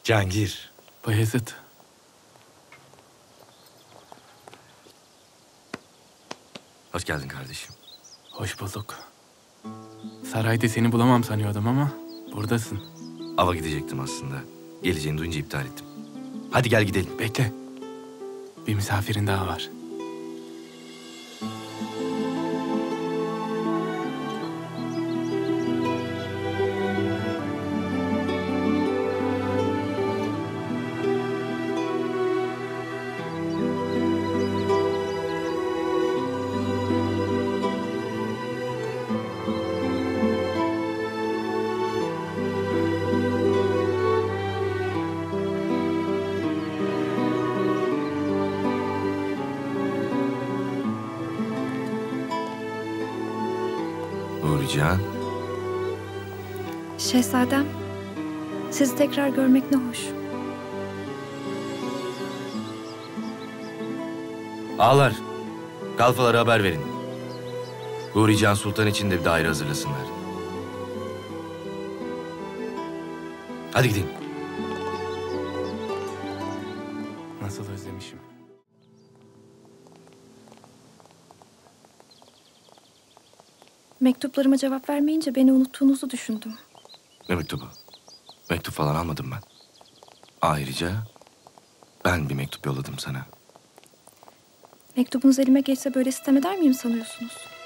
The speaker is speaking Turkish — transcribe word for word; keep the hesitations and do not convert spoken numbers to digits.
Cihangir. Bayezid. Hoş geldin kardeşim. Hoş bulduk. Sarayda seni bulamam sanıyordum ama buradasın. Ava gidecektim aslında. Geleceğini duyunca iptal ettim. Hadi gel gidelim. Bekle. Bir misafirin daha var. Nurican. Şehzadem, sizi tekrar görmek ne hoş. Ağalar, kalfalara haber verin. Nurican Sultan için de bir daire hazırlasınlar. Hadi gidelim. Nasıl özlemişim. Mektuplarıma cevap vermeyince beni unuttuğunuzu düşündüm. Ne mektubu? Mektup falan almadım ben. Ayrıca ben bir mektup yolladım sana. Mektubunuz elime geçse böyle sitem eder miyim sanıyorsunuz?